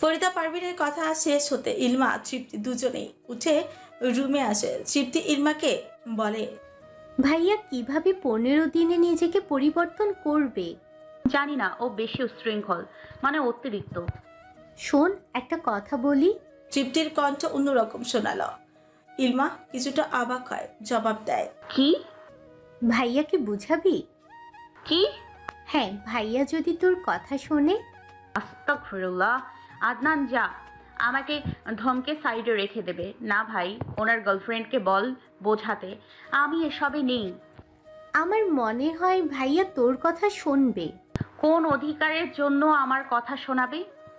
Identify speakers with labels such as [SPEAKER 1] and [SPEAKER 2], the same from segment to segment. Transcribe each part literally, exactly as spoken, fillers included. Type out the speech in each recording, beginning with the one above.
[SPEAKER 1] ফরিদা পারভিনের কথা শেষ হতে ইলমা তৃপ্তি দুজনেই উঠে রুমে আসে। তৃপ্তি ইলমাকে বলে,
[SPEAKER 2] ভাইয়া কিভাবে পনেরো দিনে নিজেকে পরিবর্তন করবে?
[SPEAKER 3] জানি না, ও বেশি উচ্ছৃঙ্খল, মানে অতিরিক্ত।
[SPEAKER 2] শোন, একটা কথা বলি।
[SPEAKER 1] তৃপ্তির কণ্ঠ অন্যরকম শোনালো। ইলমা কিছুটা অবাক হয়, জবাব দেয়,
[SPEAKER 3] কি?
[SPEAKER 2] ভাইয়াকে বুঝাবি?
[SPEAKER 3] কি?
[SPEAKER 2] হ্যাঁ, ভাইয়া যদি তোর কথা শোনে।
[SPEAKER 3] আস্তাগফিরুল্লাহ। আদনান, যা, আমাকে ধমকে সাইডে রেখে দেবে না ভাই। ওনার গার্লফ্রেন্ডকে বল বোঝাতে, আমি এসবে নেই।
[SPEAKER 2] আমার মনে হয় ভাইয়া তোর কথা শুনবে।
[SPEAKER 3] কোন অধিকারের জন্য আমার কথা শোনাবে?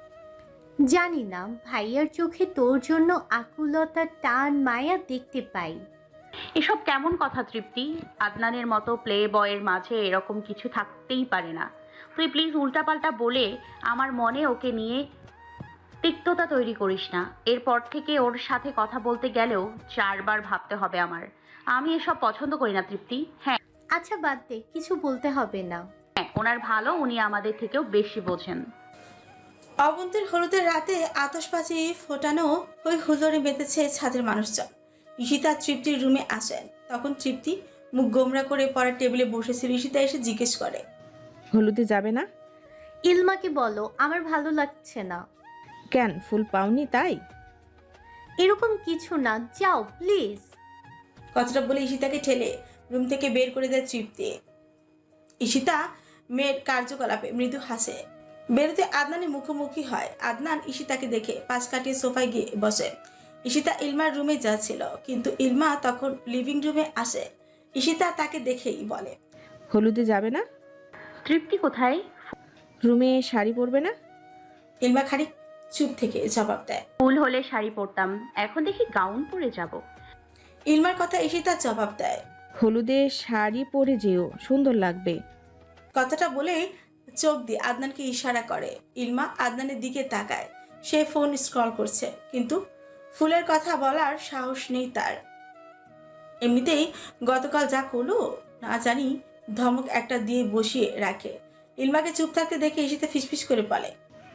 [SPEAKER 2] জানি না, ভাইয়ার চোখে তোর জন্য আকুলতা, টান, মায়া দেখতে পাই।
[SPEAKER 3] এসব কেমন কথা তৃপ্তি? আদনানের মতো প্লে বয়ের মাঝে এরকম কিছু থাকতেই পারে না। তুই প্লিজ উল্টাপাল্টা বলে আমার মনে ওকে নিয়ে তিক্ততা তৈরি করিস না। এরপর থেকে ওর সাথে কথা বলতে গেলেও চারবার ভাবতে হবে আমার। আমি এসব পছন্দ করি না তৃপ্তি। হ্যাঁ
[SPEAKER 2] আচ্ছা বাদ দে, কিছু বলতে হবে না।
[SPEAKER 3] হ্যাঁ, ওনার ভালো, উনি আমাদের থেকেও বেশি বোঝেন।
[SPEAKER 1] অবন্তীর হলুদের রাতে আতশবাজি ফোটানো ওই হুল্লোড়ে মেতেছে ছাদের মানুষজন। ঈশিতা তৃপ্তির রুমে আসেন। তখন তৃপ্তি মুখ গোমরা করে পড়ার টেবিলে বসেছিল। ঈশিতা এসে জিজ্ঞেস করে,
[SPEAKER 4] হলুদে যাবে না?
[SPEAKER 2] ইলমাকে বলো আমার ভালো লাগছে না।
[SPEAKER 4] কেন, ফুল পাওনি তাই?
[SPEAKER 2] এরকম কিছু না, যাও প্লিজ।
[SPEAKER 1] কথাটা বলে ঈশিতাকে ঠেলে রুম থেকে বের করে দেয় তৃপ্তি। ঈশিতা মেয়ের কার্যকলাপে মৃদু হাসে। বেরোতে আদনানের মুখোমুখি হয়। আদনান ঈশিতাকে দেখে পাশ কাটিয়ে সোফায় গিয়ে বসে। ঈশিতা ইলমার রুমে যাচ্ছিল, কিন্তু ইলমা তখন লিভিং রুমে আসে। ঈশিতা তাকে দেখেই বলে,
[SPEAKER 4] হলুদে যাবে না?
[SPEAKER 3] তৃপ্তি কোথায়?
[SPEAKER 4] রুমে শাড়ি পরবে না?
[SPEAKER 1] ইলমা খানিক চুপ থেকে জবাব দেয়,
[SPEAKER 3] ফুল হলে শাড়ি পরতাম, এখন দেখি গাউন পরে যাব।
[SPEAKER 1] ইলমার কথা ঈশিতা জবাব দেয়,
[SPEAKER 4] হলুদে শাড়ি পরে যেও, সুন্দর লাগবে।
[SPEAKER 1] কথাটা বলে চোখ দিয়ে আদনানকে ইশারা করে। ইলমা আদনানের দিকে তাকায়। সে ফোন স্ক্রল করছে, কিন্তু ফুলের কথা বলার সাহস নেই তার। এমনিতেই গতকাল যা করলো না জানি, ধমক একটা দিয়ে বসিয়ে রাখে। ইলমাকে চুপ থাকতে দেখে ঈশিতা ফিসফিস করে বলে,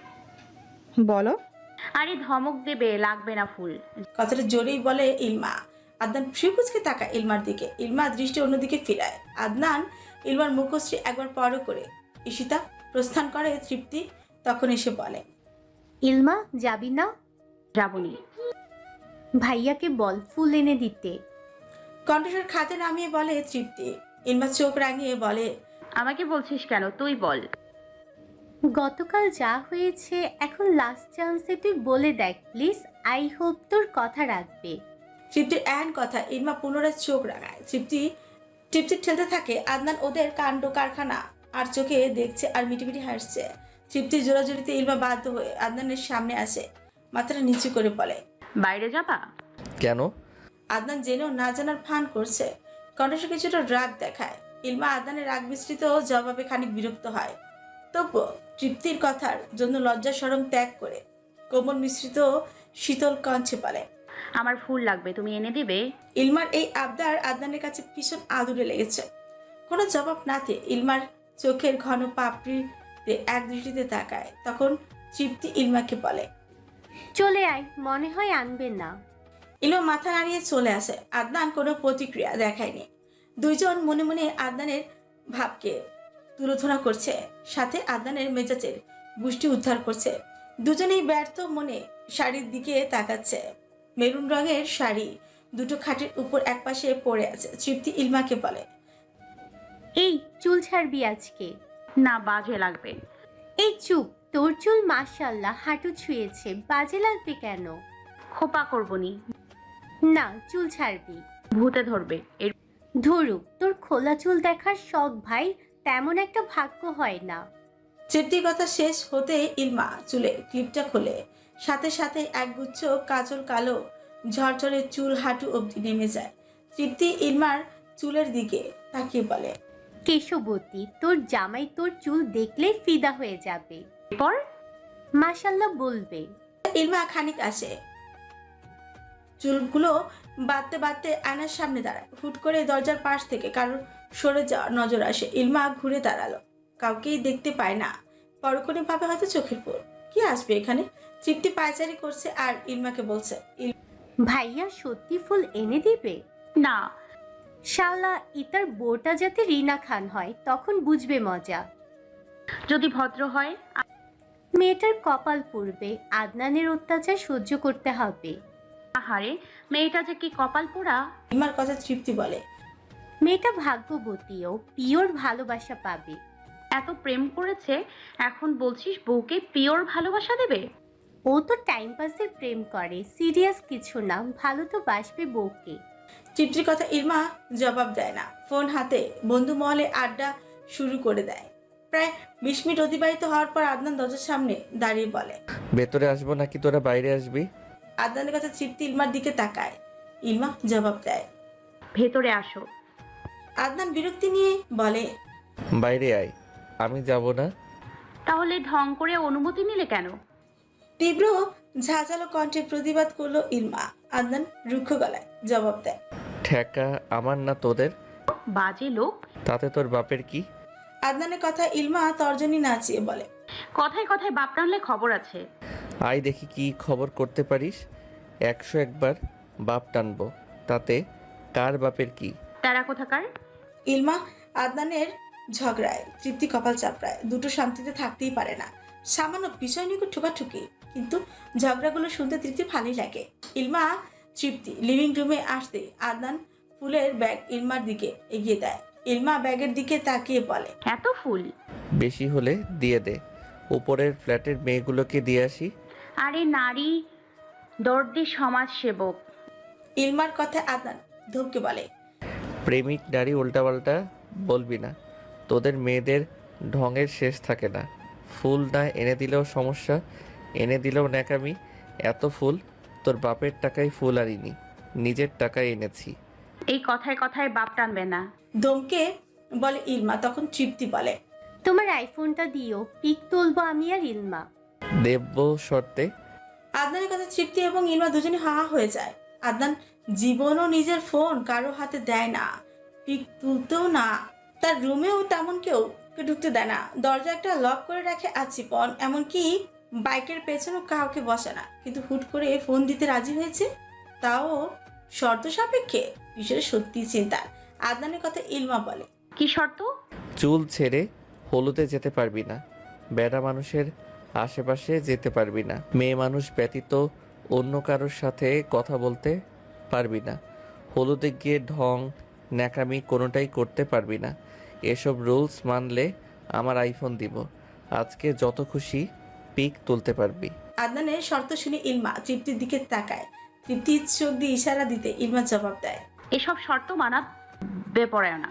[SPEAKER 4] বলো।
[SPEAKER 3] আরে ধমক দেবে, লাগবে না ফুল।
[SPEAKER 1] কথাটা জোরেই বলে ইলমা। আদনান ফ্রিকুচকে তাকায় ইলমার দিকে। ইলমা দৃষ্টি অন্যদিকে ফিরায়। আদনান ইলমার মুখশ্রী একবার পর করে ঈশিতা প্রস্থান করে। তৃপ্তি তখন এসে বলে,
[SPEAKER 2] ইলমা যাবি না?
[SPEAKER 3] যাবনি।
[SPEAKER 2] ভাইয়াকে বল ফুল এনে দিতে।
[SPEAKER 1] কণ্ঠস্বর খাতে নামিয়ে বলে তৃপ্তি। ইলমা চোখ রাঙিয়ে বলে,
[SPEAKER 3] আমাকে বলছিস কেন, তুই বল।
[SPEAKER 2] গতকাল যা হয়েছে, এখন লাস্ট চান্সে তুই বলে দেখ প্লিজ। আই হোপ তোর কথা রাখবে।
[SPEAKER 1] তৃপ্তির এন কথা ইলমা পুনরায় চোখ রাঙায়। তৃপ্তি তৃপ্তি ঠেলতে থাকে। আদনান ওদের কাণ্ড কারখানা আর চোখে দেখছে আর মিটিমিটি হাসছে। তৃপ্তির জোরাজুরিতে ইলমা বাধ্য হয়ে আদনানের সামনে আসে। মাথাটা নিচু করে বলে,
[SPEAKER 3] বাইরে যাবা?
[SPEAKER 5] কেন?
[SPEAKER 1] আদনান জেনেও না জানার ভান করছে। কণ্ঠস্বর কিছুটা রাগ দেখায়। ইলমা আদনানের রাগ মিশ্রিত জবাবে খানিক বিরক্ত হয়। তবুও তৃপ্তির কথার জন্য লজ্জা শরম ত্যাগ করে কোমল মিশ্রিত শীতল কণ্ঠে বলে,
[SPEAKER 3] আমার ফুল লাগবে, তুমি এনে দিবে?
[SPEAKER 1] ইলমার এই আবদার আদনানের কাছে ভীষণ আদুরে লেগেছে। কোনো জবাব না দিয়ে ইলমার চোখের ঘন পাপড়িতে এক দৃষ্টিতে তাকায়। তখন তৃপ্তি ইলমাকে বলে,
[SPEAKER 2] চলে আয়, মনে হয় আনবে না।
[SPEAKER 1] ইলমা মাথা নাড়িয়ে চলে আসে। আদনান কোনো প্রতিক্রিয়া দেখায়নি। দুইজন মনে মনে আদনানের ভাবকে তুলোধনা করছে, সাথে আদনানের মেজাজের গোষ্ঠী উদ্ধার করছে। দুজনেই ব্যর্থ মনে শাড়ির দিকে তাকাচ্ছে। মেরুন রঙের শাড়ি দুটো খাটের উপর একপাশে পড়ে আছে। তৃপ্তি ইলমাকে বলে,
[SPEAKER 2] এই চুল ছাড়বি আজকে?
[SPEAKER 3] না, বাজে লাগবে।
[SPEAKER 2] এই চুপ, তোর চুল মাশাআল্লাহ হাঁটু ছুঁয়েছে, বাজে লাগবে কেন?
[SPEAKER 3] খোপা করবনি।
[SPEAKER 2] না, চুল ছাড়বি।
[SPEAKER 3] ভূতে ধরবে। এর
[SPEAKER 2] ধরুক, তোর খোলা চুল দেখার শখ ভাই, তেমন একটা ভাগ্য হয় না।
[SPEAKER 1] তৃপ্তির কথা শেষ হতে ইলমা চুলে ক্লিপটা খোলে। সাথে সাথে একগুচ্ছ কাজল কালো ঝরঝরে চুল হাঁটু অবধি নেমে যায়। তৃপ্তি ইলমার চুলের দিকে তাকিয়ে বলে,
[SPEAKER 2] কেশবতী, তোর জামাই তোর চুল দেখলেই ফিদা হয়ে যাবে।
[SPEAKER 3] পর
[SPEAKER 2] মাশাআল্লাহ বলবে।
[SPEAKER 1] ইলমা খানিক আসে, চুলগুলো বাঁধতে বাঁধতে আয়নার সামনে দাঁড়ায়। হুট করে দরজার পাশ থেকে কারোর সরে যাওয়ার নজর আসে। ইলমা ঘুরে দাঁড়ালো। কাউকেই দেখতে পায় না। পরক্ষণে ভাবে হয়তো চোখের পর। কি আসবে এখানে? তৃপ্তি পায়চারি করছে আর ইলমাকে বলছে,
[SPEAKER 2] ভাইয়া সত্যি ফুল এনে দিবে?
[SPEAKER 3] না।
[SPEAKER 2] শালা ইতার বউটা যাতে রিনা খান হয় তখন বুঝবে মজা।
[SPEAKER 3] যদি ভদ্র হয়।
[SPEAKER 2] মেয়েটার কপাল পুড়বে, আদনানের অত্যাচার সহ্য করতে হবে।
[SPEAKER 3] আহারে, মেয়েটা যে কি কপাল পোড়া।
[SPEAKER 1] ইলমার কথা তৃপ্তি বলে,
[SPEAKER 2] মেয়েটা ভাগ্যবতীও পিওর ভালোবাসা পাবে।
[SPEAKER 3] এত প্রেম করেছে, এখন বলছিস বউকে পিওর ভালোবাসা দেবে?
[SPEAKER 2] ও তো টাইম পাসের প্রেম করে, সিরিয়াস কিছু না, ভালো তো বাসবে বউকে।
[SPEAKER 1] তৃপ্তির কথা ইলমা জবাব দেয় না। ফোন হাতে বন্ধু মহলে আড্ডা শুরু করে দেয়। প্রায় বিশ মিনিট অতিবাহিত হওয়ার পর আদনান দরজার সামনে দাঁড়িয়ে বলে,
[SPEAKER 5] ভেতরে আসবো নাকি তোরা বাইরে আসবি?
[SPEAKER 1] আদনানের কথা তৃপ্তি ইলমার দিকে তাকায়। ইলমা জবাব দেয়।
[SPEAKER 3] ভেতরে আসো।
[SPEAKER 1] আদনান বিরক্তি নিয়ে বলে,
[SPEAKER 5] বাইরে আয়। আমি যাব না।
[SPEAKER 3] তাহলে ঢং করে অনুমতি নিলে কেন?
[SPEAKER 1] তীব্র ঝাঁঝালো কণ্ঠে প্রতিবাদ করলো ইলমা। আদনান রুক্ষ গলায় জবাব দেয়,
[SPEAKER 5] ঠেকা আমার না তোদের।
[SPEAKER 3] বাজে লোক।
[SPEAKER 5] তাতে তোর বাপের কি?
[SPEAKER 1] আদনানের কথা ইলমা তর্জনী নাচিয়ে বলে,
[SPEAKER 3] কথায় কথায় বাপ টানলে খবর আছে।
[SPEAKER 5] আয় দেখি কি খবর করতে পারিস। একশো একবার বাপ টানবো, তাতে কার বাপের কি?
[SPEAKER 3] তারা কোথাকার?
[SPEAKER 1] ইলমা আদনানের ঝগড়ায় তৃপ্তি কপাল চাপড়ায়। দুটো শান্তিতে থাকতেই পারে না। সামান্য বিষয় নিয়ে ঠোকাঠুকি, কিন্তু ঝগড়াগুলো শুনতে তৃপ্তি ভালোই লাগে। ইলমা তৃপ্তি লিভিং রুমে আসতে আদনান ফুলের ব্যাগ ইলমার দিকে এগিয়ে দেয়। ইলমা ব্যাগের দিকে তাকিয়ে বলে,
[SPEAKER 3] এত ফুল?
[SPEAKER 5] বেশি হলে দিয়ে দে, উপরের ফ্ল্যাটের মেয়েগুলোকে দিয়ে আসি।
[SPEAKER 3] আরে নারী দর্দি সমাজ সেবক।
[SPEAKER 1] ইলমার কথা আদনান ধমকে বলে,
[SPEAKER 5] প্রেমিক নারী উল্টাপাল্টা বলবি না। তোদের মেয়েদের ঢঙের শেষ থাকে না। ফুল না এনে দিলেও সমস্যা, এনে দিলেও ন্যাকামি। এত ফুল তোর বাপের টাকায় ফুল আনিনি, নিজের টাকায় এনেছি।
[SPEAKER 3] এই কথায় কথায় বাপ টানবে না।
[SPEAKER 1] ধমকে বলে ইলমা। তখন তৃপ্তি বলে,
[SPEAKER 2] তোমার আইফোনটা দিও, পিক তুলবো আমি আর ইলমা।
[SPEAKER 5] দেব্য শর্তে।
[SPEAKER 1] আদনানের কথা তৃপ্তি এবং ইলমা দুজনে হা হা হয়ে যায়। আদনান জীবনও নিজের ফোন কারো হাতে দেয় না, পিক তুলতেও না। তার রুমেও তেমন কেউ কে ঢুকতে দেয় না। দরজা একটা লক করে রাখে আচিপন, এমনকি বাইকের পেছনেও কাউকে বসে না। কিন্তু হুট করে ফোন দিতে রাজি হয়েছে, তাও শর্ত সাপেক্ষে। বিষয়টা সত্যি চিন্তার। আদনানের কথা ইলমা বলে,
[SPEAKER 3] কি শর্ত?
[SPEAKER 5] চুল ছেড়ে হলুদে যেতে পারবি না, বেড়া মানুষের আশেপাশে যেতে পারবি না, মেয়ে মানুষ ব্যতীত অন্য কারোর সাথে কথা বলতে পারবি না, হলুদে গিয়ে ঢং ন্যাকামি কোনোটাই করতে পারবি না। এসব রুলস মানলে আমার আইফোন দিব, আজকে যত খুশি পিক তুলতে পারবি।
[SPEAKER 1] আদনানের শর্ত শুনে ইলমা তৃপ্তির দিকে তাকায়। তৃপ্তি চোখ দিয়ে ইশারা দিতে ইলমা জবাব দেয়,
[SPEAKER 3] এসব শর্ত মানা বেপরোয়া।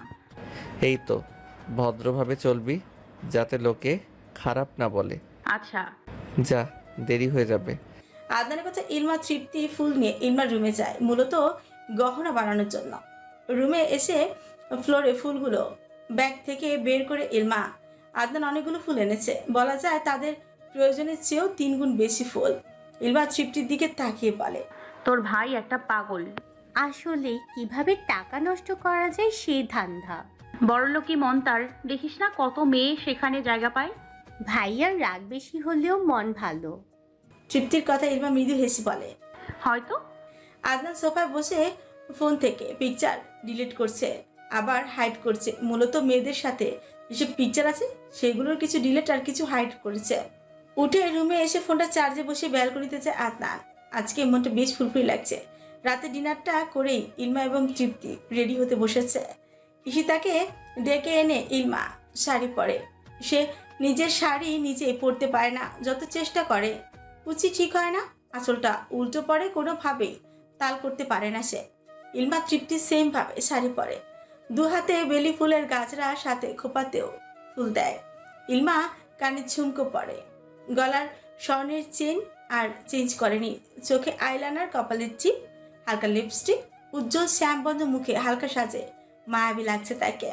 [SPEAKER 5] এই তো ভদ্রভাবে চলবি, যাতে লোকে খারাপ না বলে।
[SPEAKER 3] আচ্ছা।
[SPEAKER 5] যা, দেরি হয়ে যাবে।
[SPEAKER 1] আদনানের কথা ইলমা তৃপ্তি ফুল নিয়ে ইলমার রুমে যায়, মূলত গহনা বানানোর জন্য। রুমে এসে ফ্লোরে ফুলগুলো ব্যাগ থেকে বের করে ইলমা। আদনান অনেকগুলো ফুল এনেছে, বলা যায় তাদের প্রয়োজনের চেয়েও তিন গুণ বেশি ফুল। ইলমা তৃপ্তির দিকে তাকিয়ে বলে,
[SPEAKER 3] তোর ভাই একটা পাগল।
[SPEAKER 2] আসলে কিভাবে টাকা নষ্ট করা যায় সেই ধান্দা।
[SPEAKER 3] বড়লোকি মন তার, দেখিস না কত মেয়ে সেখানে জায়গা পায়।
[SPEAKER 2] ভাইয়ার রাগ বেশি হলেও মন ভালো।
[SPEAKER 1] তৃপ্তির কথা ইলমা মৃদু হেসে বলে।
[SPEAKER 3] হয়তো।
[SPEAKER 1] আদনান সোফায় বসে ফোন থেকে পিকচার ডিলিট করছে, আবার হাইড করছে। মূলত মেয়েদের সাথে যেসব পিকচার আছে সেগুলোর কিছু ডিলিট আর কিছু হাইড করেছে। উঠে রুমে এসে ফোনটা চার্জে বসে ব্যালকনিতে যায় আদনান। আজকে মনটা বেশ ফুরফুরি লাগছে। রাতে ডিনারটা করেই ইলমা এবং তৃপ্তি রেডি হতে বসেছে। ঈশিতাকে ডেকে এনে ইলমা শাড়ি পরে। সে নিজের শাড়ি নিজে পরতে পারে না, যত চেষ্টা করে কুচি ঠিক হয় না, আঁচলটা উল্টো পড়ে, কোনোভাবেই তাল করতে পারে না সে। ইলমা তৃপ্তি সেম ভাবে শাড়ি পরে, দু হাতে বেলি ফুলের গাছরা, সাথে খোপাতেও ফুল দেয়। ইলমা কানে ঝুমকো পরে, গলার স্বর্ণের চেন আর চেঞ্জ করেনি, চোখে আইলাইনার, কপালের চিপ, হালকা লিপস্টিক, উজ্জ্বল শ্যামবন্ধ মুখে হালকা সাজে মায়াবী লাগছে তাকে।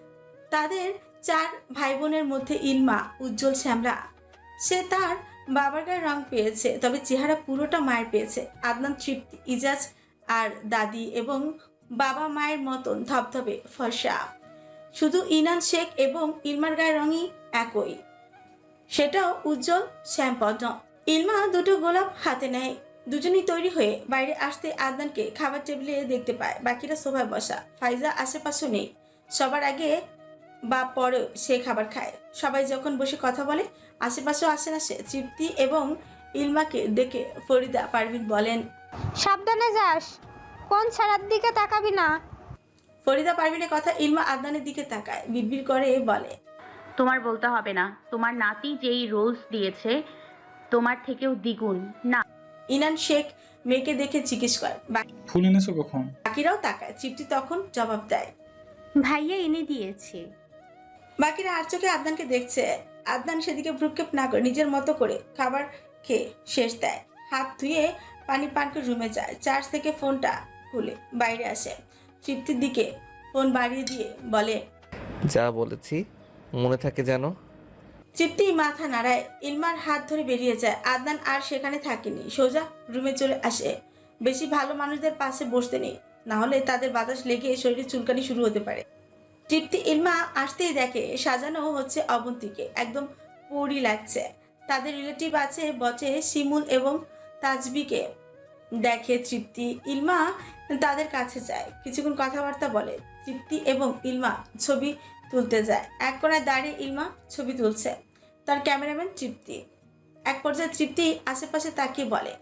[SPEAKER 1] তাদের চার ভাই বোনের মধ্যে ইলমা উজ্জ্বল শ্যামলা। সে তার বাবার গায়ে রং পেয়েছে, তবে চেহারা পুরোটা মায়ের পেয়েছে। আদনান, তৃপ্তি, ইজাজ আর দাদি এবং বাবা মায়ের মতন ধবধবে ফর্সা। শুধু ইনান শেখ এবং ইলমার গায়ের রঙই একই। সেটাও উজ্জ্বল শ্যামপদ্ম। ইলমা দুটো গোলাপ হাতে নেয়। দুজনেই তৈরি হয়ে বাইরে আসতে আদনানকে খাবার টেবিলে দেখতে পায়। বাকিরা সোফায় বসা। ফাইজা আশেপাশে নেই। সবার আগে বা পরেও সে খাবার খায়। সবাই যখন বসে কথা বলে আশেপাশেও আসে না সে। তৃপ্তি এবং ইলমাকে দেখে ফরিদা পারভিন বলেন,
[SPEAKER 6] সাবধানে যাস, কোন ছাড়ার দিকে তাকাবি না।
[SPEAKER 1] ফরিদা পারভিনের কথা ইলমা আদনানের দিকে তাকায়, বিড়বিড় করে বলে,
[SPEAKER 3] তোমার বলতে হবে না, তোমার নাতি যেই রোলস দিয়েছে তোমার থেকেও দ্বিগুণ। না
[SPEAKER 1] ইনান শেখ মেয়েকে দেখে জিজ্ঞেস করে। বাকি-
[SPEAKER 7] ফুল এনেছো কখন?
[SPEAKER 1] বাকিরাও তাকায়। তৃপ্তি তখন জবাব দেয়।
[SPEAKER 2] ভাইয়া এনে দিয়েছে।
[SPEAKER 1] বাকিরা আর চোখে আদনানকে দেখছে। আদনান সেদিকে ভ্রুক্ষেপ না করে নিজের মতো করে খাবার খেয়ে শেষ দেয়। হাত ধুয়ে পানি পান করে রুমে যায়। চার্জ থেকে ফোনটা খুলে বাইরে আসে। তৃপ্তির দিকে ফোন বাড়িয়ে দিয়ে বলে,
[SPEAKER 5] যা বলেছি মনে থাকে যেন।
[SPEAKER 1] তৃপ্তি মাথা নাড়ায়। ইলমার হাত ধরে বেরিয়ে যায়। আদনান আর সেখানে থাকেনি, সোজা রুমে চলে আসে। বেশি ভালো মানুষদের পাশে বসতে নেই, না হলে তাদের বাতাস লেগে শরীরে চুলকানি শুরু হতে পারে। তৃপ্তি ইলমা আসতেই দেখে সাজানো হচ্ছে অবন্তীকে। একদম পরি লাগছে। তাদের রিলেটিভ আছে বটে, শিমুল এবং তাজবিকে দেখে তৃপ্তি। ইলমা তাদের কাছে যায়, কিছুক্ষণ কথাবার্তা বলে। তৃপ্তি এবং ইলমা ছবি তুলতে যায়। এক কোণায় দাঁড়িয়ে ইলমা ছবি তুলছে, তার ক্যামেরাম্যান তৃপ্তি। এক পর্যায়ে তৃপ্তি আশেপাশে তাকিয়ে বলে,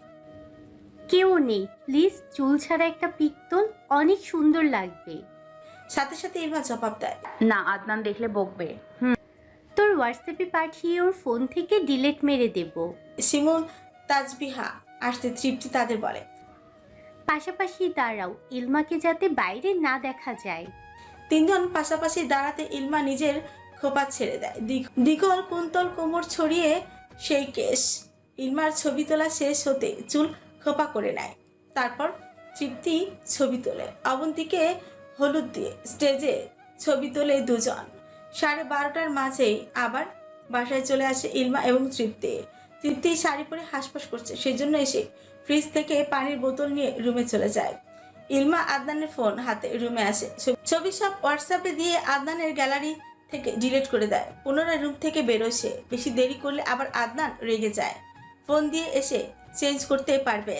[SPEAKER 2] কেউ নেই, প্লিজ চুল ছাড়া একটা পিক তোল, অনেক সুন্দর লাগবে।
[SPEAKER 1] সাথে সাথে ইলমা জবাব দেয়,
[SPEAKER 3] না, আদনান দেখলে বকবে। হুম
[SPEAKER 2] তোর হোয়াটসঅ্যাপে পাঠিয়ে ওর ফোন থেকে ডিলিট মেরে দেব।
[SPEAKER 1] শিমুল তাজবিহা আসতে তৃপ্তি তাদের বলে,
[SPEAKER 2] পাশাপাশি দাঁড়াও, ইলমাকে যাতে বাইরে না দেখা যায়।
[SPEAKER 1] তিনজন পাশাপাশি দাঁড়াতে ইলমা নিজের খোপা ছেড়ে দেয়। দিগ- দ্বিগল কুন্তল কোমর ছড়িয়ে সেই কেশ। ইলমার ছবি তোলা শেষ হতে চুল খোপা করে নেয়। তারপর তৃপ্তি ছবি তোলে। অবন্তীকে হলুদ দিয়ে স্টেজে ছবি তোলে দুজন। সাড়ে বারোটার মাঝেই আবার বাসায় চলে আসে ইলমা এবং তৃপ্তি। তৃপ্তি শাড়ি পরে হাসপাস করছে, সেই জন্য এসে ফ্রিজ থেকে পানির বোতল নিয়ে রুমে চলে যায়। ইলমা আদনানের ফোন হাতে রুমে আসে। ছবি সব হোয়াটসঅ্যাপে দিয়ে আদনানের গ্যালারি থেকে ডিলিট করে দেয়। পুনরায় রুম থেকে বেরোয় সে। বেশি দেরি করলে আবার আদনান রেগে যায়, ফোন দিয়ে এসে চেঞ্জ করতে পারবে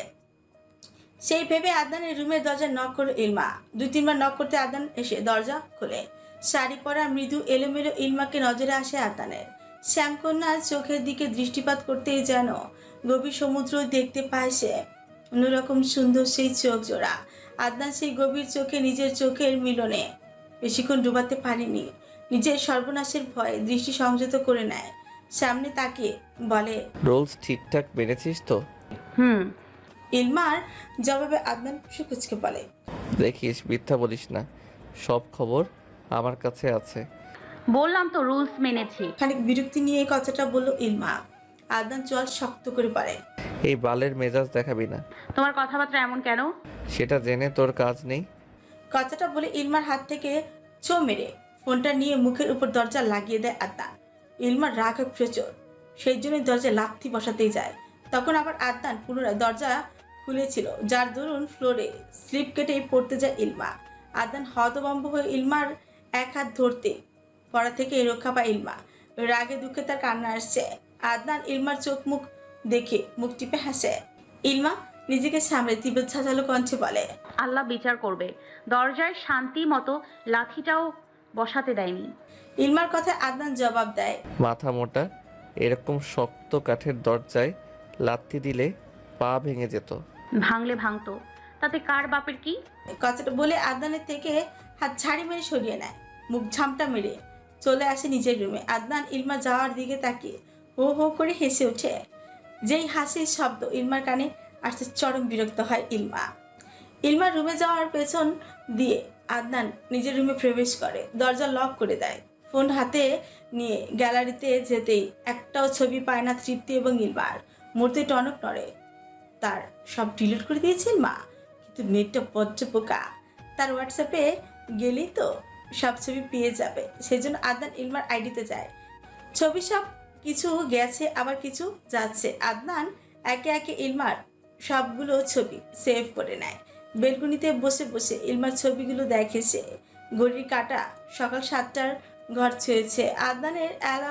[SPEAKER 1] সেই ভেবে আদনানের রুমের দরজা নক করলো ইলমা। দুই তিনবার নক করতে আদনান এসে দরজা খোলে। শাড়ি পরা মৃদু এলোমেলো ইলমাকে নজরে আসে আদনানের। শ্যামকন্যার চোখের দিকে দৃষ্টিপাত করতেই যেন গভীর সমুদ্র দেখতে পায় সে। অন্যরকম সুন্দর সেই চোখ জোড়া। আদনান সেই গভীর চোখে নিজের চোখের মিলনে বেশিক্ষণ ডুবাতে পারেনি। নিজের সর্বনাশের ভয়ে দৃষ্টি সংযত করে নেয়। সামনে তাকিয়ে বলে,
[SPEAKER 5] রোলস ঠিকঠাক মেনেছিস তো?
[SPEAKER 3] হুম
[SPEAKER 1] ইলমার জবাবে আদনান সুকুচকে বলে,
[SPEAKER 5] দেখিস মিথ্যা বলিস না, সব খবর আমার কাছে আছে।
[SPEAKER 3] বললাম তো রুলস মেনেছি।
[SPEAKER 1] খানিক বিরক্তি নিয়ে এই কথাটা বলল ইলমা। আদনান চল শক্ত করে পড়ে,
[SPEAKER 5] এই বালের মেজাজ দেখাবি না।
[SPEAKER 3] তোমার কথাবার্তা এমন কেন?
[SPEAKER 5] সেটা জেনে তোর কাজ নেই।
[SPEAKER 1] কথাটা বলে ইলমার হাত থেকে ছো মেরে ফোনটা নিয়ে মুখের উপর দরজা লাগিয়ে দেয় আদনান। ইলমার রাগ হয় প্রচুর, সেই জন্যই দরজা লাথি বসাতেই যায়। তখন আবার আদনান পুনরায় দরজা খুলেছিল, যার দরুন ফ্লোরে স্লিপ কেটে পড়তে যায় ইলমা। আদনান হতভম্ব হয়ে ইলমার এক হাত ধরতে পড়া থেকে রক্ষা পায় ইলমা। রাগে দুঃখে তার কান্না আসছে। আদনান ইলমার চোখ মুখ দেখে মুখ টিপে হাসে। ইলমা নিজেকে সামলে তীব্র ঝাঁঝালো কণ্ঠে বলে,
[SPEAKER 3] আল্লাহ বিচার করবে। দরজায় শান্তি মতো লাঠিটাও বসাতে দেয়নি।
[SPEAKER 1] ইলমার কথায় আদনান জবাব দেয়,
[SPEAKER 5] মাথা মোটা, এরকম শক্ত কাঠের দরজায় লাথি দিলে পা ভেঙে যেত।
[SPEAKER 3] ভাঙলে ভাঙতো, তাতে কার বাপের কি?
[SPEAKER 1] কথাটা বলে আদনানের থেকে হাত ঝাড়ি মেরে সরিয়ে নেয়। মুখ ঝামটা মেরে চলে আসে নিজের রুমে। আদনান ইলমা যাওয়ার দিকে তাকিয়ে হো হো করে হেসে ওঠে। যেই হাসির শব্দ ইলমার কানে আসতে চরম বিরক্ত হয় ইলমা। ইলমার রুমে যাওয়ার পেছন দিয়ে আদনান নিজের রুমে প্রবেশ করে, দরজা লক করে দেয়। ফোন হাতে নিয়ে গ্যালারিতে যেতেই একটাও ছবি পায় না তৃপ্তি এবং ইলমার। মূর্তি টনক নড়ে। তার সব ডিলিট করে দিয়েছে ইলমা, কিন্তু মেয়েটা বজ্জ পোকা। তার হোয়াটসঅ্যাপে গেলেই তো সব ছবি পেয়ে যাবে। সেই জন্য আদনান ইলমার আইডিতে যায়। ছবি সব কিছু গেছে, আবার কিছু যাচ্ছে। আদনান একে একে ইলমার সবগুলো ছবি সেভ করে নেয়। বেলকুনিতে বসে বসে ইলমার ছবিগুলো দেখে সে। ঘড়ির কাঁটা সকাল সাতটার ঘর ছুঁয়েছে। আদনানের অ্যালার্ম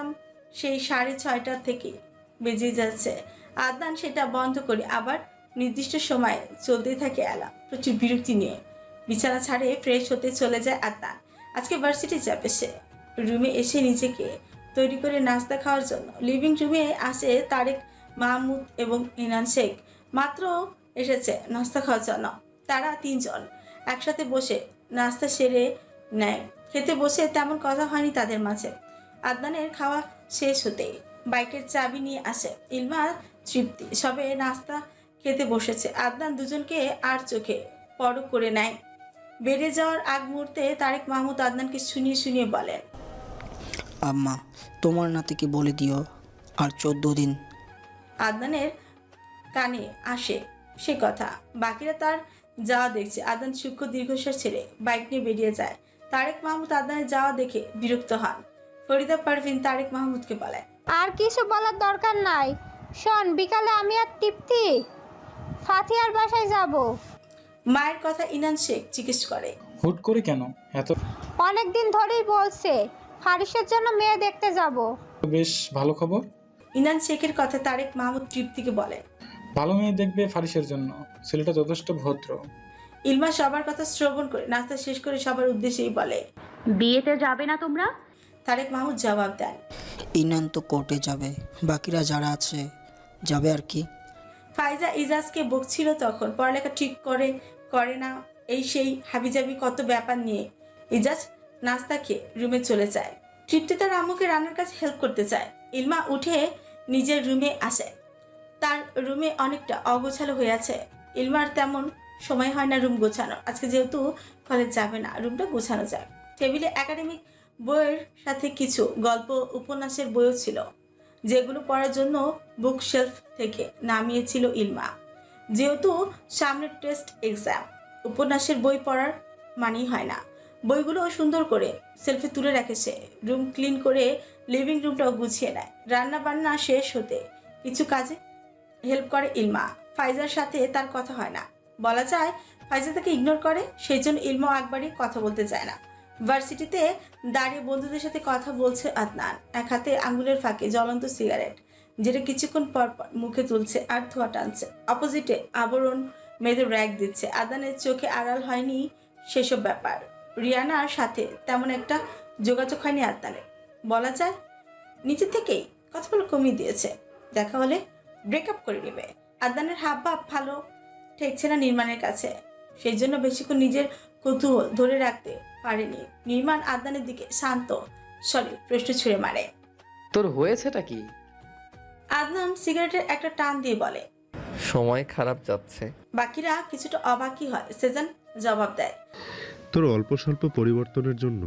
[SPEAKER 1] সেই সাড়ে ছয়টা থেকে বেজে যাচ্ছে। আদনান সেটা বন্ধ করে আবার নির্দিষ্ট সময়ে চলতেই থাকে অ্যালার্ম। প্রচুর বিরক্তি নিয়ে বিছানা ছাড়ে ফ্রেশ হতে চলে যায় আদনান। আজকে ভার্সিটি যাবে সে। রুমে এসে নিজেকে তৈরি করে নাস্তা খাওয়ার জন্য লিভিং রুমে আসে তারেক মাহমুদ এবং ইনান শেখ। মাত্র এসেছে নাস্তা খাওয়ার জন্য। তারা তিনজন একসাথে বসে নাস্তা সেরে নেয়। খেতে বসে তেমন কথা হয়নি তাদের মাঝে। আদনানের খাওয়া শেষ হতেই বাইকের চাবি নিয়ে আসে ইলমা, তৃপ্তি। সবে নাস্তা খেতে বসেছে। আদনান দুজনকে আর চোখে পরক করে নেয়। বেড়ে যাওয়ার আগ মুহূর্তে তারেক মাহমুদ আদনানকে শুনিয়ে শুনিয়ে বলেন,
[SPEAKER 7] আম্মা তোমার নাতিকে বলে দিও আর চোদ্দ দিন।
[SPEAKER 1] আদনানের কানে আসে সে কথা। বাকিরা তার যাওয়া দেখছে। আদনান সূক্ষ্ম দীর্ঘশ্বাস ছেড়ে বাইক নিয়ে বেরিয়ে যায়। তারেক মাহমুদ আদনানের যাওয়া দেখে বিরক্ত হন। ফরিদা পারভিন তারেক মাহমুদকে বলে,
[SPEAKER 6] আর কিছু বলার দরকার নাই। শোন, বিকালে আমি আর তৃপ্তি ফাতিহার বাসায় যাব।
[SPEAKER 1] মায়ের কথা ইনান শেখ জিজ্ঞেস করে,
[SPEAKER 8] হুট করে কেন? এত
[SPEAKER 6] অনেক দিন ধরেই বলছে ফারিসের জন্য মেয়ে দেখতে যাব।
[SPEAKER 8] বেশ ভালো খবর।
[SPEAKER 1] ইনান শেখের কথা তারেক মাহমুদ তৃপ্তিকে বলে,
[SPEAKER 8] ভালো মেয়ে দেখবে ফারিসের জন্য, ছেলেটা যথেষ্ট ভদ্র।
[SPEAKER 1] ইলমা সবার কথা শ্রবণ করে নাস্তা শেষ করে সবার উদ্দেশ্যেই বলে,
[SPEAKER 3] বিয়েতে যাবে না তোমরা?
[SPEAKER 1] তারেক মাহমুদ জবাব দেন,
[SPEAKER 7] ইনান তো কোর্টে যাবে, বাকিরা যারা আছে যাবে আর কি।
[SPEAKER 1] ফাইজা ইজাজকে বকছিল তখন পড়ালেখা ঠিক করে করে না এই সেই হাবিজাবি কত ব্যাপার নিয়ে। ইজাজ নাস্তা খেয়ে রুমে চলে যায়। তৃপ্তি তার আম্মুকে রান্নার কাছে হেল্প করতে চায়। ইলমা উঠে নিজের রুমে আসে। তার রুমে অনেকটা অগোছালো হয়ে আছে। ইলমার তেমন সময় হয় না রুম গোছানো। আজকে যেহেতু কলেজ যাবে না, রুমটা গোছানো যায়। টেবিলে একাডেমিক বইয়ের সাথে কিছু গল্প উপন্যাসের বইও ছিল, যেগুলো পড়ার জন্য বুকশেলফ থেকে নামিয়েছিল ইলমা। যেহেতু সামনে টেস্ট এক্সাম, উপন্যাসের বই পড়ার মানেই হয় না। বইগুলো সুন্দর করে সেলফে তুলে রাখে সে। রুম ক্লিন করে লিভিং রুমটাও গুছিয়ে নেয়। রান্না বান্না শেষ হতে কিছু কাজে হেল্প করে ইলমা। ফাইজার সাথে তার কথা হয় না, বলা যায় ফাইজা তাকে ইগনোর করে। সেই জন্য ইলমা একবারই কথা বলতে চায় না। ভার্সিটিতে দাঁড়িয়ে বন্ধুদের সাথে কথা বলছে আদনান। এক হাতে আঙ্গুলের ফাঁকে জ্বলন্ত সিগারেট, যেটা কিছুক্ষণ পর পর মুখে তুলছে আর ধোয়া টানছে। অপোজিটে আবরণ মেয়েদের র্যাক দিচ্ছে। আদনানের চোখে আড়াল হয়নি সেসব ব্যাপার। রিয়ানার সাথে তেমন একটা যোগাযোগ হয়নি আদনানের। বলা যায় নিচে থেকেই কথা বলে কমিয়ে দিয়েছে। দেখা হলে ব্রেকআপ করে নেবে। আদনানের হাব ভাব ভালো ঠেকছে না নির্মাণের কাছে। সেই জন্য বেশিক্ষণ নিজের কৌতূহল ধরে রাখতে পারেনি। নির্মাণ আদনানের দিকে শান্ত স্বরে প্রশ্ন ছুঁড়ে মারে,
[SPEAKER 9] তোর হয়েছেটা কি?
[SPEAKER 1] আদনান সিগারেটের একটা টান দিয়ে বলে,
[SPEAKER 5] সময় খারাপ যাচ্ছে।
[SPEAKER 1] বাকিরা কিছুটা অবাকই হয়। সেজান জবাব দেয়,
[SPEAKER 10] তোর অল্প স্বল্প পরিবর্তনের জন্য।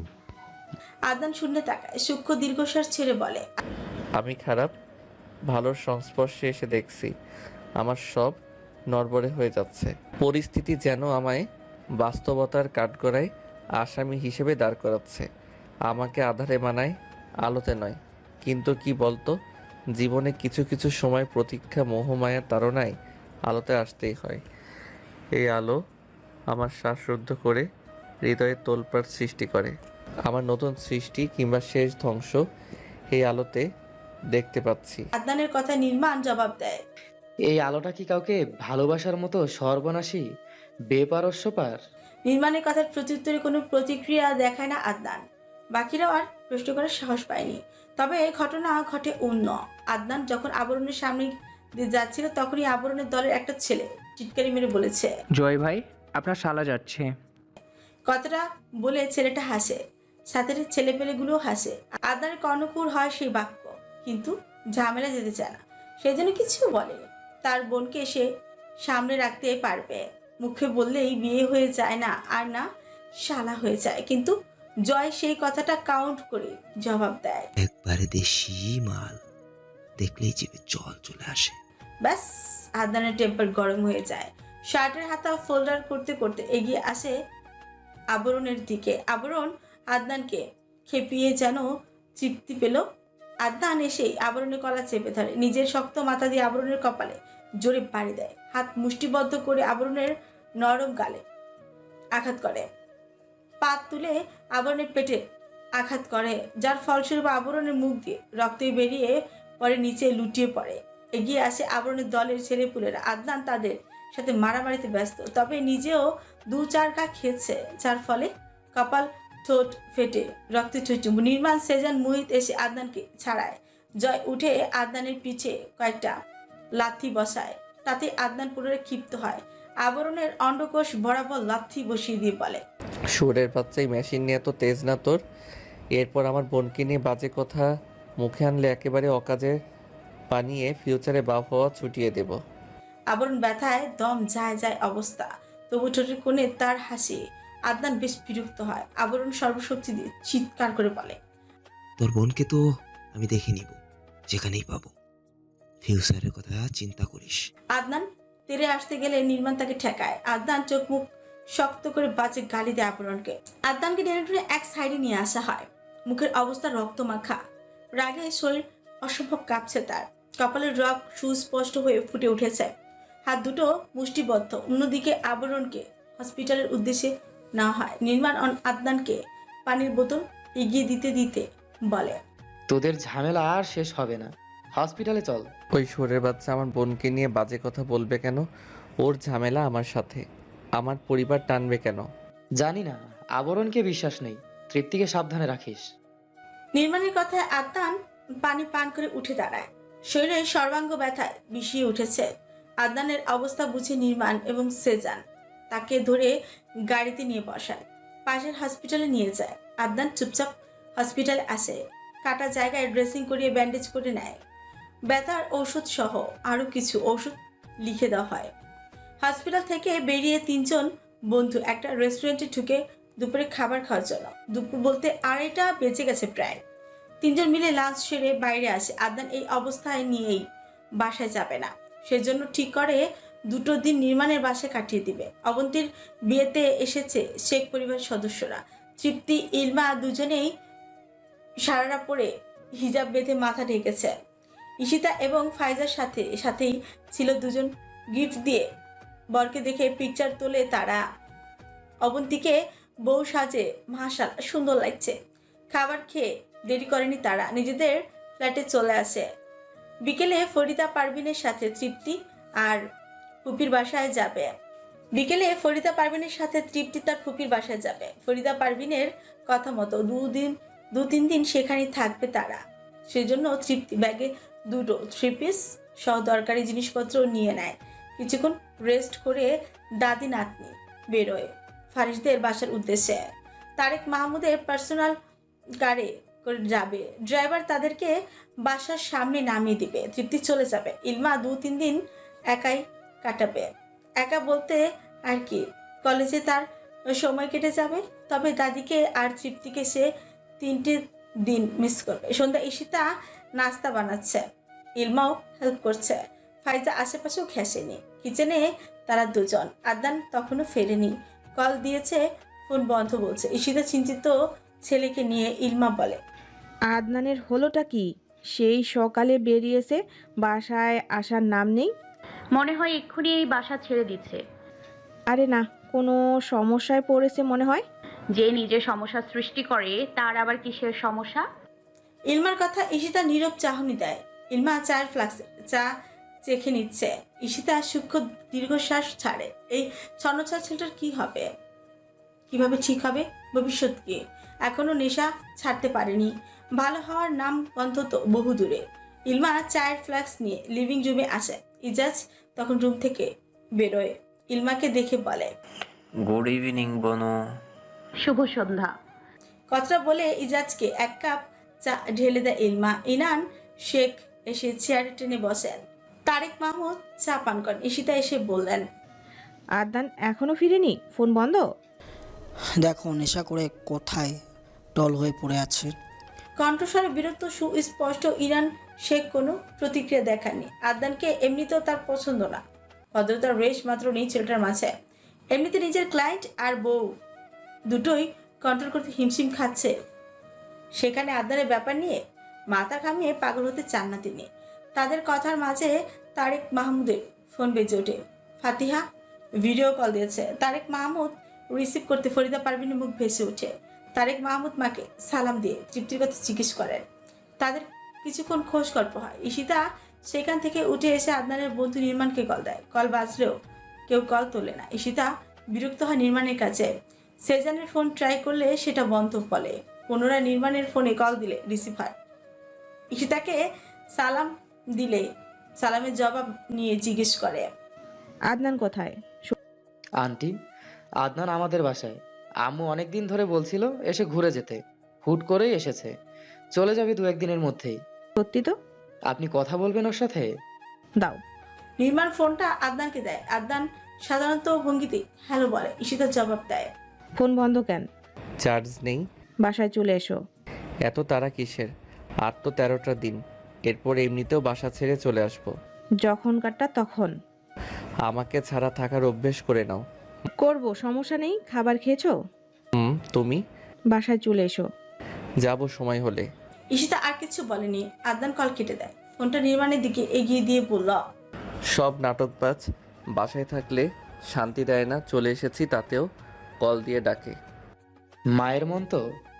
[SPEAKER 1] আদনান শূন্য তাকায়, সূক্ষ্ম দীর্ঘশ্বাস ছেড়ে বলে,
[SPEAKER 5] আমি খারাপ ভালোর সংস্পর্শে এসে দেখছি আমার সব নড়বড়ে হয়ে যাচ্ছে। পরিস্থিতি যেন আমায় বাস্তবতার কাঠগড়ায় আসামি হিসেবে দাঁড় করাচ্ছে। আমাকে আধারে মানায়, আলোতে নয়। কিন্তু কি বলতো, জীবনে কিছু কিছু সময় প্রতীক্ষা মোহমায়ার তাড়নায় আলোতে আসতেই হয়। এই আলো আমার শ্বাসরুদ্ধ করে হৃদয়ে তোলপাড় সৃষ্টি করে। আমার নতুন সৃষ্টি কিংবা শেষ ধ্বংস এই আলোতে দেখতে পাচ্ছি।
[SPEAKER 1] আদনানের কথা নির্মাণ জবাব দেয়,
[SPEAKER 9] এই আলোটা কি কাউকে ভালোবাসার মতো সর্বনাশী বেপারস্যপার?
[SPEAKER 1] নির্মাণের কথার প্রত্যুত্তরে কোনো প্রতিক্রিয়া দেখায় না আদনান। বাকিরাও আর প্রশ্ন করার সাহস পায়নি। তবে ঘটনা ঘটে অন্য। আদনান যখন আবরণের সামনে দিয়ে যাচ্ছিল, তখনই আবরণের দলের একটা ছেলে চিৎকারি মেরে বলেছে,
[SPEAKER 11] জয় ভাই, আপনার শালা যাচ্ছে।
[SPEAKER 1] কথাটা বলে ছেলেটা হাসে, সাথে ছেলেপেলেগুলোও হাসে। আদনানের কর্ণকুর হয় সেই বাক্য, কিন্তু ঝামেলা যেতে চায় না। সেই জন্য কিছু বলেনি। তার বোনকে সে সামনে রাখতে পারবে। মুখে বললেই বিয়ে হয়ে যায় না, আর না শালা হয়ে যায়। কিন্তু জয় সেই কথাটা কাউন্ট করে জবাব দেয়,
[SPEAKER 12] একবারে দেশি মাল, দেখলেই জিভে জল চলে আসে।
[SPEAKER 1] ব্যাস। আদনানের টেম্পার গরম হয়ে যায়। শার্টের হাতা ফোল্ডার করতে করতে এগিয়ে আসে আবরণের দিকে। আবরণ আদনানকে খেপিয়ে যেন তৃপ্তি পেল। আদনান এসেই আবরণের কলা চেপে ধরে, নিজের শক্ত মাথা দিয়ে আবরণের কপালে জোরে বাড়ি দেয়। হাত মুষ্টিবদ্ধ করে আবরণের নরম গালে আঘাত করে। পা তুলে আবরণের পেটে আঘাত করে, যার ফলস্বরূপ আবরণের মুখ দিয়ে রক্তে বেরিয়ে পরে নিচে লুটিয়ে পড়ে। এগিয়ে আসে আবরণের দলের ছেলেপুলেরা। আদনান তাদের সাথে মারামারিতে ব্যস্ত, তবে নিজেও দু চার ঘা খেয়েছে, যার ফলে কপাল ঠোঁট ফেটে রক্তে টুইটুম্বু। নির্মাণ, সেজান, মুহিত এসে আদনানকে ছাড়ায়। জয় উঠে আদনানের পিঠে কয়েকটা লাথি বসায়, তাতে আদনান পুনরায় ক্ষিপ্ত হয়। আবরণের অন্ডকোষ বরাবর লাথি বসিয়ে দিয়ে বলে,
[SPEAKER 5] সুরের বাচ্চাই মেশিন নিয়ে তো তেজ না তোর। এরপর আমার বোনকে নিয়ে বাজে কথা মুখে আনলে একেবারে অকাজে বানিয়ে ফিউচারে বাপ হওয়া ছুটিয়ে দেব।
[SPEAKER 1] আবরণ ব্যথায় দম যায় যায় অবস্থা, তবু ঠোঁটের কোণে তার হাসি। আদনান বেশ বিরক্ত হয়। আবরণ সর্বশক্তি দিয়ে চিৎকার করে বলে,
[SPEAKER 12] তোর বোনকে তো আমি দেখে নিব, যেখানেই পাবো। ফিউচারের কথা চিন্তা করিস।
[SPEAKER 1] আদনান তেরে আসতে গেলে নির্মাণ তাকে ঠেকায়। আদনান চোখ মুখ শক্ত করে বাজে গালি দেয় আবরণকে। আদনানকে টেনে টেনে এক সাইডে নিয়ে আসা হয়। মুখের অবস্থা রক্তমাখা, রাগে শরীর অসম্ভব কাঁপছে তার। কপালের রগ সুস্পষ্ট হয়ে ফুটে উঠেছে, হাত দুটো মুষ্টিবদ্ধ। অন্যদিকে আবরণকে হসপিটালের উদ্দেশ্যে নেওয়া হয়। নির্মাণ আদনানকে পানির বোতল এগিয়ে দিতে দিতে বলে,
[SPEAKER 9] তোদের ঝামেলা আর শেষ হবে না, হসপিটালে চল।
[SPEAKER 5] ওই সুরের বাচ্চা আমার বোনকে নিয়ে বাজে কথা বলবে কেন? ওর ঝামেলা আমার সাথে, আমার পরিবার টানবে কেন?
[SPEAKER 9] জানি না, আবরণকে বিশ্বাস নেই, তৃপ্তিকে সাবধানে রাখিস।
[SPEAKER 1] নির্মাণের কথায় আদনান পানি পান করে উঠে দাঁড়ায়। শরীরে সর্বাঙ্গ ব্যথায় বিষিয়ে উঠেছে। আদনানের অবস্থা বুঝে নির্মাণ এবং সেজান তাকে ধরে গাড়িতে নিয়ে বসায়, পাশের হসপিটালে নিয়ে যায়। আদনান চুপচাপ হসপিটালে আসে, কাটা জায়গায় ড্রেসিং করিয়ে ব্যান্ডেজ করে নেয়। ব্যথার ঔষধ সহ আরও কিছু ঔষধ লিখে দেওয়া হয়। হসপিটাল থেকে বেরিয়ে তিনজন বন্ধু একটা রেস্টুরেন্টে ঢুকে দুপুরে খাবার খাওয়ার জন্য। দুপুর বলতে আড়াইটা বেজে গেছে প্রায়। তিনজন মিলে লাঞ্চ সেরে বাইরে আসে। আদনান এই অবস্থায় নিয়েই বাসায় যাবে না, সেজন্য ঠিক করে দুটো দিন নির্মাণের বাসায় কাটিয়ে দিবে। অবন্তীর বিয়েতে এসেছে শেখ পরিবারের সদস্যরা। তৃপ্তি, ইলমা দুজনেই সারারা পরে হিজাব বেঁধে মাথা ঢেকেছে। ঈশিতা এবং ফাইজার সাথে সাথেই ছিল দুজন। গিফট দিয়ে বরকে দেখে পিকচার তোলে তারা। অবন্তীকে বউ সাজে মাশাআল্লাহ সুন্দর লাগছে। খাবার খেয়ে দেরি করেনি তারা, নিজেদের ফ্ল্যাটে চলে আসে। বিকেলে ফরিদা পারভিনের সাথে তৃপ্তি আর ফুপির বাসায় যাবে। বিকেলে ফরিদা পারভিনের সাথে তৃপ্তি তার ফুপির বাসায় যাবে। ফরিদা পারভিনের কথা মতো দুদিন দু তিন দিন সেখানেই থাকবে তারা। সেজন্য তৃপ্তি ব্যাগে দুটো থ্রি পিস সহ দরকারি জিনিসপত্র নিয়ে নেয়। কিছুক্ষণ রেস্ট করে দাদি নাতনি বেরোয় ফারিসদের বাসার উদ্দেশ্যে। তারেক মাহমুদের পার্সোনাল কারে করে যাবে। ড্রাইভার তাদেরকে বাসার সামনে নামিয়ে দিবে। তৃপ্তি চলে যাবে। ইলমা দু তিন দিন একাই কাটাবে। একা বলতে আর কি, কলেজে তার সময় কেটে যাবে। তবে দাদিকে আর তৃপ্তিকে সে তিনটে দিন মিস করবে। সন্ধ্যা ঈশিতা নাস্তা বানাচ্ছে, ইলমাও হেল্প করছে। ফাইজা আশেপাশেও ঘেঁষেনি। কিচেনে তারা দুজন। আদনান তখনও ফেরেনি, কল দিয়েছে, ফোন বন্ধ বলছে। ঈশিতা চিন্তিত ছেলেকে নিয়ে। ইলমা বলে,
[SPEAKER 4] আদনানের হলোটা কি? সেই সকালে বেরিয়েছে, বাসায় আসার নাম নেই।
[SPEAKER 3] মনে হয় এক্ষুনি এই বাসা ছেড়ে দিচ্ছে।
[SPEAKER 4] আরে না, কোনো সমস্যায় পড়েছে মনে হয়।
[SPEAKER 3] যে নিজে সমস্যা সৃষ্টি করে তার আবার কিসের সমস্যা?
[SPEAKER 1] ইলমার কথা ঈশিতা নীরব চাহনি দেয়। ইলমা চায়ের ফ্লাক্সে চা চেখে নিচ্ছে। ঈশিতা সূক্ষ্ম দীর্ঘশ্বাস ছাড়ে। এই ছন্নছাড় ছেলেটার কি হবে, কিভাবে ঠিক হবে, ভবিষ্যৎ কি? এখনো নেশা ছাড়তে পারেনি। ভালো হওয়ার নাম অন্তত বহু দূরে। ইলমা চায়ের ফ্লাক্স নিয়ে লিভিং রুমে আসে। ইজাজ তখন রুম থেকে বেরোয়। ইলমাকে দেখে বলে,
[SPEAKER 13] গুড ইভিনিং বনু।
[SPEAKER 3] শুভ সন্ধ্যা।
[SPEAKER 1] কথাটা বলে ইজাজকে এক কাপ চা ঢেলে দেয় ইলমা। ইনান শেখ এসে চেয়ারে টেনে বসেন। তারেক মাহমুদ চা পান করেন। ঈশিতা এসে বললেন,
[SPEAKER 4] আদনান এখনো ফিরেনি, ফোন বন্ধ।
[SPEAKER 7] দেখো নেশা করে কোথায় টল হয়ে পড়ে আছে।
[SPEAKER 1] কণ্ঠস্বরে বিরক্ত সুস্পষ্ট। ইরান শেখ কোনো প্রতিক্রিয়া দেখাননি। আদনানকে এমনিতেও তার পছন্দ না। ভদ্রতার রেশ মাত্র নেই ছেলেটার মাঝে। এমনিতে নিজের ক্লায়েন্ট আর বউ দুটোই কন্ট্রোল করতে হিমশিম খাচ্ছে, সেখানে আদনানের ব্যাপার নিয়ে মাথা ঘামিয়ে পাগল হতে চান না তিনি। তাদের কথার মাঝে তারেক মাহমুদের ফোন বেজে ওঠে। ফাতিহা ভিডিও কল দিয়েছে। তারেক মাহমুদ রিসিভ করতে ফরিদা পারভিনের মুখ ভেসে ওঠে। তারেক মাহমুদ মাকে সালাম দিয়ে তৃপ্তির কথা জিজ্ঞেস করেন। তাদের কিছুক্ষণ খোঁজ গল্প হয়। ঈশিতা সেখান থেকে উঠে এসে আদনানের বন্ধু নির্মাণকে কল দেয়। কল বাজলেও কেউ কল তোলে না। ঈশিতা বিরক্ত হয় নির্মাণের কাছে। সেজানের ফোন ট্রাই করলে সেটা বন্ধ বলে। পুনরায় নির্মাণের ফোনে কল দিলে রিসিভ হয়। ঈশিতাকে সালাম দিলে সালামের জবাব নিয়ে জিজ্ঞেস করে,
[SPEAKER 4] আদনান কোথায়?
[SPEAKER 9] আন্টি, আদনান আমাদের বাসায়। আম্মু অনেক দিন ধরে বলছিল এসে ঘুরে যেতে, হুট করেই এসেছে। চলে যাবে দু একদিনের মধ্যেই।
[SPEAKER 4] সত্যি তো?
[SPEAKER 9] আপনি কথা বলবেন ওর সাথে?
[SPEAKER 4] দাও।
[SPEAKER 1] নির্মাণ ফোনটা আদনানকে দেয়। আদনান সাধারণত ভঙ্গিতে হ্যালো বলে। ঈশিতার জবাব দেয়,
[SPEAKER 4] ফোন বন্ধ কেন?
[SPEAKER 5] চার্জ নেই।
[SPEAKER 4] বাসায় চলে এসো।
[SPEAKER 5] এত তারা কিসের? আর তো তেরোটা দিন, এরপর এমনিতেও বাসা ছেড়ে চলে আসবো।
[SPEAKER 4] যখন কাটটা তখন।
[SPEAKER 5] আমাকে ছাড়া থাকার অভ্যেস করে নাও।
[SPEAKER 4] করব, সমস্যা নেই। খাবার খেয়েছো?
[SPEAKER 5] হুম, তুমি?
[SPEAKER 4] বাসায় চলে এসো।
[SPEAKER 5] যাব সময় হলে।
[SPEAKER 1] ঈশিতা আর কিছু বলেনি। আদনান কল কেটে দেয়। ফোনটা নির্মাণের দিকে এগিয়ে দিয়ে বলল,
[SPEAKER 5] সব নাটকবাজ বাসায় থাকলে শান্তি দেয় না। চলে এসেছি তাতেও কল দিয়ে ডাকে।
[SPEAKER 9] মায়ের মন তো